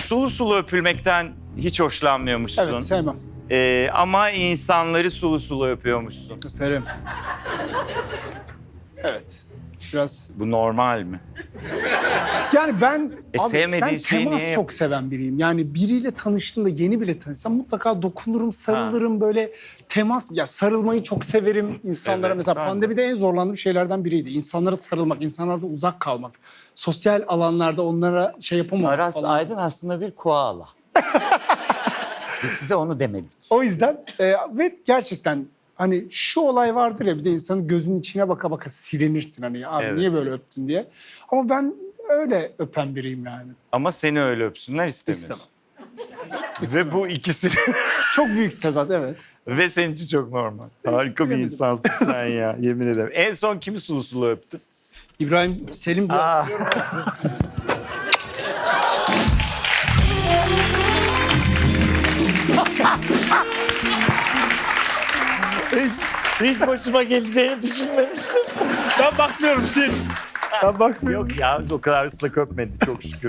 Sulu sulu öpülmekten hiç hoşlanmıyormuşsun. Evet, sevmem. Ama insanları sulu sulu öpüyormuşsun. Öperim. Evet. Biraz... Bu normal mi? Yani ben sevmediğin ben şeyi temas niye çok seven biriyim. Yani biriyle tanıştığımda, yeni bile tanışsam mutlaka dokunurum, sarılırım, böyle temas. Ya sarılmayı çok severim insanlara. Evet, Mesela ben de. pandemide en zorlandığım şeylerden biriydi. İnsanlara sarılmak, insanlardan uzak kalmak. Sosyal alanlarda onlara şey yapamamak Aras falan. Aydın aslında bir koala. Biz size onu demedik. O yüzden ve gerçekten hani şu olay vardır ya, bir de insanın gözünün içine baka baka silinirsin hani, abi Evet. niye böyle öptün diye. Ama ben öyle öpen biriyim yani. Ama seni öyle öpsünler istemiyorsun. İstemem. Ve bu ikisi Çok büyük tezat, evet. ve senin için çok normal. Harika bir Bilemedim. insansın sen ya, yemin ederim. En son kimi sulu sulu öptün? İbrahim Selim diye Aa. hatırlıyorum. Hiç başıma geleceğini düşünmemiştim. Ben bakmıyorum, sil. Ben bakmıyorum. Yok ya, o kadar ıslak öpmedi çok şükür.